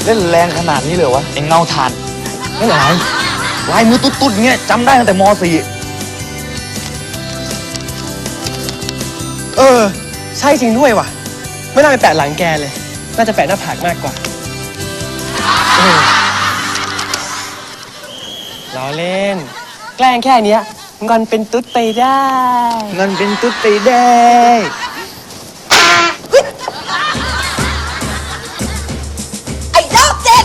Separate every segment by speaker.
Speaker 1: เล่นแรงขนาดนี้เลยวะไอ้เงาถ่านเล่นอะไรลายมือตุ๊ดๆเงี้ยจำได้ตั้งแต่ม .4
Speaker 2: ใช่จริงด้วยว่ะไม่น่าไปแปะหลังแกเลยน่าจะแปะหน้าผากมากกว่าล้อเล่นแกล้งแค่เนี้ยงอนเป็นตุ๊ดไปได้
Speaker 1: เงินเป็นตุ๊ดไปได้
Speaker 3: ไอ้โรคจิต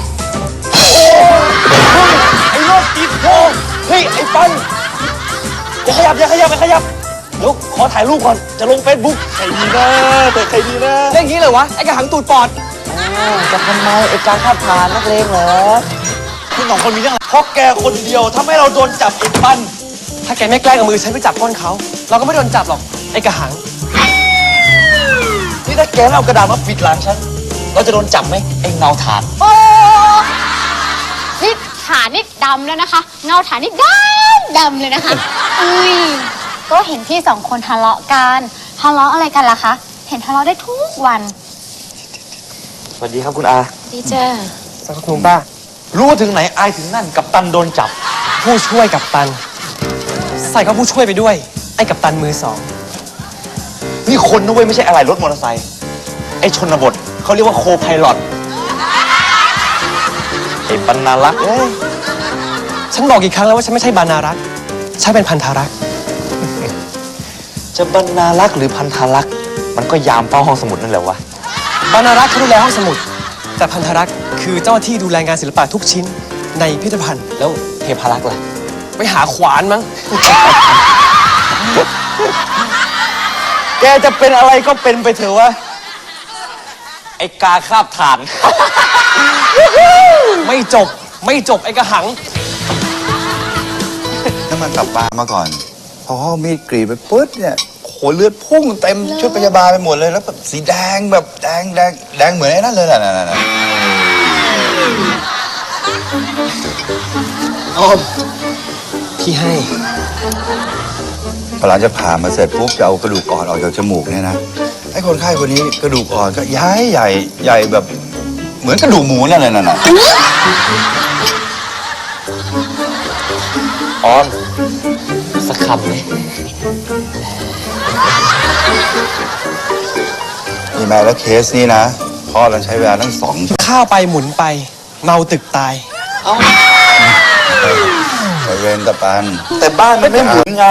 Speaker 1: ไอ้โรคจิตโธ่เฮ้ยไอ้ปันอย่าขยับเดี๋ยวขอถ่ายรูปก่อนจะลงเฟซบุ๊กใครดีนะแต่ใครดีนะ
Speaker 2: เล่นอย่างนี้เลยวะไอ้กระหังตูดปอด
Speaker 1: จะทำไมไอ้การคาดผ่านนักเลงเหรอคุณสองคนมีเรื่องอะไรเพราะแกคนเดียวทำให้เราโดนจับไอ้ปัน
Speaker 2: ถ้าแกไม่แกล้งเอามือฉันไปจับก้นเขาเราก็ไม่โดนจับหรอกไอ้กระหัง
Speaker 1: นี่ถ้าแกไม่เอากระดาษมาปิดหลังฉันเราจะโดนจับไหมไอ้เงาถ่าน
Speaker 4: โอ้นี่ฐานนี่ดำแล้วนะคะ เงาฐานนี่ดำเลยนะคะ อุ้ยก็เห็นพี่สองคนทะเลาะกันทะเลาะอะไรกันล่ะคะ เห็นทะเลาะได้ทุกวัน
Speaker 1: สวัสดีครับคุณอา
Speaker 4: ดีเจ้า
Speaker 2: สักครู่ป้า
Speaker 1: รู้ถึงไหนอายถึงนั่นกับตันโดนจับ
Speaker 2: ผู้ช่วยกัปตัน ใส่เขาผู้ช่วยไปด้วยไอ้กัปตันมือสอง
Speaker 1: นี่คนนะเว้ยไม่ใช่อะไรรถมอเตอร์ไซค์ไอ้ชนบทเขาเรียกว่าโคไพลอตไอ้ปันนารักษ์เอ้ย
Speaker 2: ฉันบอกกี่ครั้งแล้วว่าฉันไม่ใช่บรรณารักษ์ฉันเป็นพันธารักษ์
Speaker 1: จะบรรณารักษ์หรือพันธารักษ์มันก็ยามเฝ้าห้องสมุดนั่นแหละวะ
Speaker 2: บรรณารักษ์เขาดูแลห้องสมุดแต่พันธารักษ์คือเจ้าหน้าที่ดูแลงานศิลปะทุกชิ้นในพิพิธภัณฑ์
Speaker 1: แล้วเทพารักษ์ล่ะ
Speaker 2: ไปหาขวานมั้ง
Speaker 1: แกจะเป็นอะไรก็เป็นไปเถอะวะไอ้กาคาบถ่าน
Speaker 2: ไม่จบไอ้กระหัง
Speaker 5: น้ำมันตับปลามาก่อน พอเขาเอามีดกรีดไปปึ๊ดเนี่ยโหเลือดพุ่งเต็มชุดพยาบาลไปหมดเลยแล้วแบบสีแดงแบบแดงเหมือนไอ้นั่นเลยน่ะ
Speaker 2: พี่ให้
Speaker 5: พอหลังจากผ่ามาเสร็จปุ๊บจะเอากระดูกอ่อนออกจากจมูกเนี่ยนะไอ้คนไข้คนนี้กระดูกอ่อนก็ย้ายใหญ่แบบเหมือนกระดูกหมูนั่นเลยน่ะ
Speaker 1: ออมสักคำไหม
Speaker 5: นี่แม่แล้วเคสนี้นะพ่อเราใช้เวลาตั้ง2
Speaker 2: ข้าวไปหมุนไปเมาตึกตาย
Speaker 5: ไปเวรตะปัน
Speaker 1: แต่บ้านมันไม่หมุนไง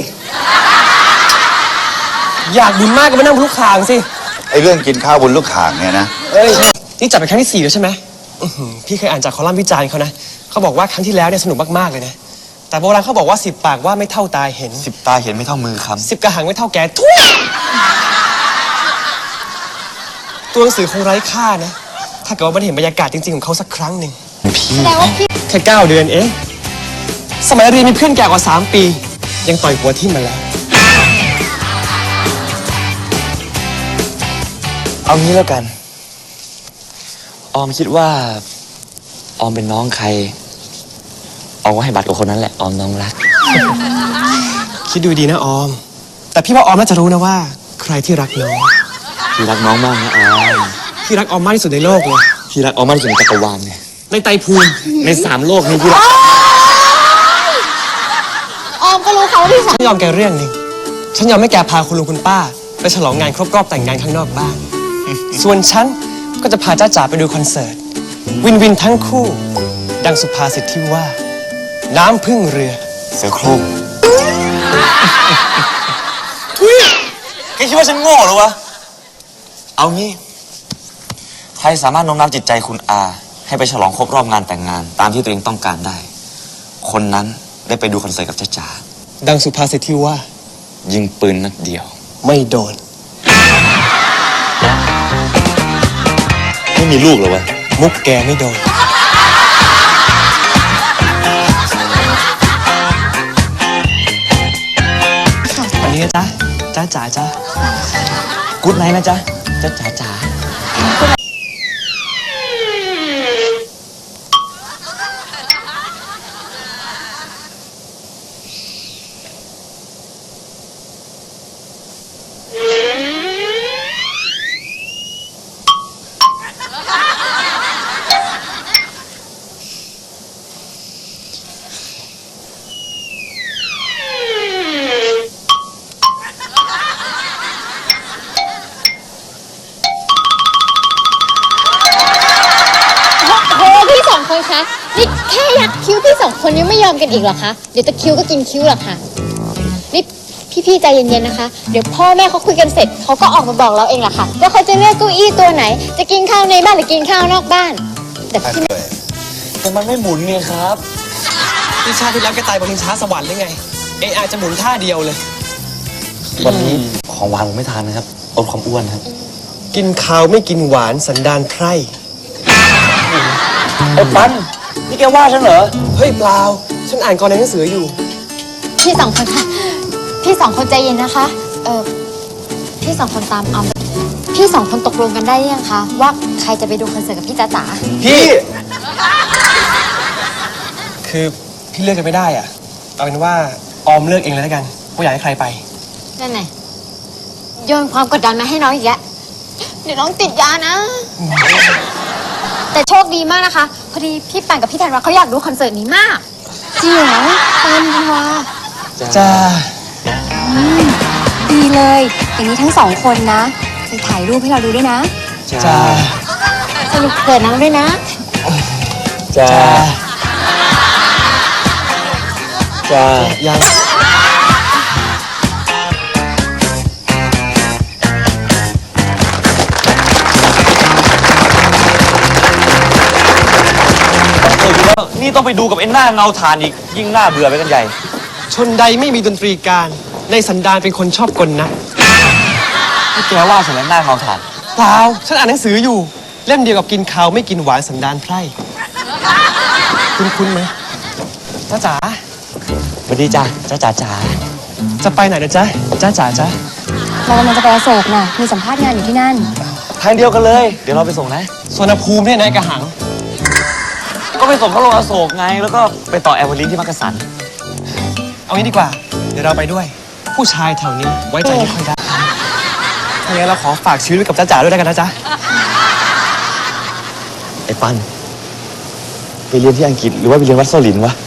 Speaker 2: อยากบุญมากก็มานั่งบนลูกคางสิ
Speaker 5: ไอ้เรื่องกินข้าวบนลูกข่างเนี่ยนะ
Speaker 2: เอ้ยนี่จัดเป็นครั้งที่ 4แล้วใช่ไหมพี่เคยอ่านจากคอลัมน์วิจารณ์เขานะเขาบอกว่าครั้งที่แล้วเนี่ยสนุกมากๆเลยนะแต่โบราณเขาบอกว่า10 ปากว่าไม่เท่าตาเห็น
Speaker 1: 10 ตาเห็นไม่เท่ามือคำ
Speaker 2: 10 กระหังไม่เท่าแกทุยตัวหนังสือคงไร้ค่านะถ้าเกิดว่ามันเห็นบรรยากาศจริงๆของเขาสักครั้งหนึ่ง
Speaker 4: แสดงว่าพี่
Speaker 2: แค่9 เดือนเองสมัยเรียนมีเพื่อนแก่กว่า3 ปี ยังต่อยหัวทิ่มมาแล้ว
Speaker 1: เอางี้แล้วกัน ออมคิดว่าออมเป็นน้องใครออมก็ให้บัตรกับคนนั้นแหละออมน้องรัก
Speaker 2: คิดดูดีนะออม แต่พี่ว่าออมน่าจะรู้นะว่า ใครที่รักน้อง
Speaker 1: พี่รักน้องมากนะออม
Speaker 2: พี่รักออมมากที่สุดในโลกเลย
Speaker 1: พี่รักออมมากที่สุดในจักรวาลเนี่ย
Speaker 2: ในไตรภูมิ
Speaker 1: ใน3 โลกนี้พี่รัก
Speaker 4: ออมก็รู้เขาว่าพี่สาว
Speaker 2: ฉันยอมแกเรื่องหนึ่งฉันยอมให้แกพาคุณลุงคุณป้าไปฉลองงานครบรอบแต่งงานข้างนอกบ้าน ส่วนฉันก็จะพาจ้าจ๋าไปดูคอนเสิร์ต วินวินทั้งคู่ ดังสุภาษิตที่ว่า น้ำพึ่งเรือ
Speaker 1: เสือโคร่งทุยแกคิดว่าฉันโง่เหรอวะ เอางี้ ใครสามารถโน้มน้าวจิตใจคุณอา ให้ไปฉลองครบรอบงานแต่งงาน ตามที่ตัวเองต้องการได้ คนนั้นได้ไปดูคอนเสิร์ตกับจ้าจ๋า
Speaker 2: ดังสุภาษิตที่ว่า
Speaker 1: ยิงปืนนัดเดียว
Speaker 2: ไม่โดน
Speaker 1: ไม่มีลูกเหรอวะ
Speaker 2: มุกแกไม่โดน วันนี้นะจ๊ะจ้าจ๋าจ้า
Speaker 1: กู๊ดไนท์นะจ๊ะจ้าจ๋าจ๋า
Speaker 4: แค่ยักคิ้วพี่สองคนยังไม่ยอมกันอีกเหรอคะ เดี๋ยวตะคิ้วก็กินคิ้วหรอกค่ะ นี่พี่ๆใจเย็นๆนะคะ เดี๋ยวพ่อแม่เขาคุยกันเสร็จเขาก็ออกมาบอกเราเองแหละค่ะว่าเขาจะเลือกเก้าอี้ตัวไหน จะกินข้าวในบ้านหรือกินข้าวนอกบ้าน แต่พี่
Speaker 1: แต่มันไม่หมุนไงครับ
Speaker 2: ที่ชาติที่แล้วแกตายบนชิงช้าสวรรค์หรือไง อาจจะหมุนท่าเดียวเลย
Speaker 1: วันนี้ของหวานผมไม่ทานนะครับลดความอ้วนครับ
Speaker 2: กินข้าวไม่กินหวานสันดานไพร่
Speaker 1: ไอ้ปันนี่แกว่าฉันเหรอ
Speaker 2: เฮ้ยเปล่า ฉันอ่านกรในหนังสืออยู่
Speaker 4: พี่สองคนค่ะ พี่สองคนใจเย็นนะคะ พี่สองคนตามออมพี่สองคนตกลงกันได้ยังคะว่าใครจะไปดูคอนเสิร์ตกับพี่จ๋าจ๋า
Speaker 2: พี่ คือพี่เลือกกันไม่ได้อ่ะ เอาเป็นว่าออมเลือกเองเลยแล้วกันว่าอยากให้ใครไป
Speaker 4: นั่นไงโยนความกดดันมาให้น้องอีกแล้วเดี๋ยวน้องติดยานะ แต่โชคดีมากนะคะ พอดีพี่ปั่นกับพี่ธันวาเขาอยากดูคอนเสิร์ตนี้มากจริงเหรอปั่นธันวา
Speaker 2: จ้า
Speaker 3: ดีเลย อย่างนี้ทั้งสองคนนะไปถ่ายรูปให้เราดูด้วยนะ
Speaker 2: จ้า
Speaker 4: สรุปเกิดน้องด้วยนะ
Speaker 2: จ้า
Speaker 1: จ้า
Speaker 2: ยัง
Speaker 1: นี่ต้องไปดูกับไอ้หน้าเงาถ่านอีก ยิ่งหน้าเบื่อไปกันใหญ่
Speaker 2: ชนใดไม่มีดนตรีการ ในสันดานเป็นคนชอบกลนะ
Speaker 1: นี่แกว่าฉันแล้วหน้าเงาถ่าน
Speaker 2: เปล่า ฉันอ่านหนังสืออยู่ เล่มเดียวกับกินข้าวไม่กินหวานสันดานไพร่คุ้นๆไหมจ้าจ๋า
Speaker 1: สวัสดีจ้าจ้าจ๋าจ๋า
Speaker 2: จะไปไหนนะจ๊ะจ้าจ๋าจ๊ะ
Speaker 3: เรากำลังจะไปอโศกน่ะ มีสัมภาษณ์งานอยู่ที่นั่น
Speaker 1: ทางเดียวกันเลย เดี๋ยวเราไปส่งนะ
Speaker 2: สวนภูมิเนี่ยนายกระหัง
Speaker 1: ก็ไปส่งเขาลงอโศกไง แล้วก็ไปต่อแอร์พอร์ตลิงก์ที่มักกะสัน
Speaker 2: เอางี้ดีกว่า เดี๋ยวเราไปด้วย ผู้ชายแถวนี้ไว้ใจไม่ค่อยได้ถ้าอย่างนั้นเราขอฝากชีวิตไว้กับจ้าจ๋าด้วยแล้วกันนะจ๊ะ
Speaker 1: ไอ้ปันไปเรียนที่อังกฤษหรือว่าไปเรียนวัดโซลินวะ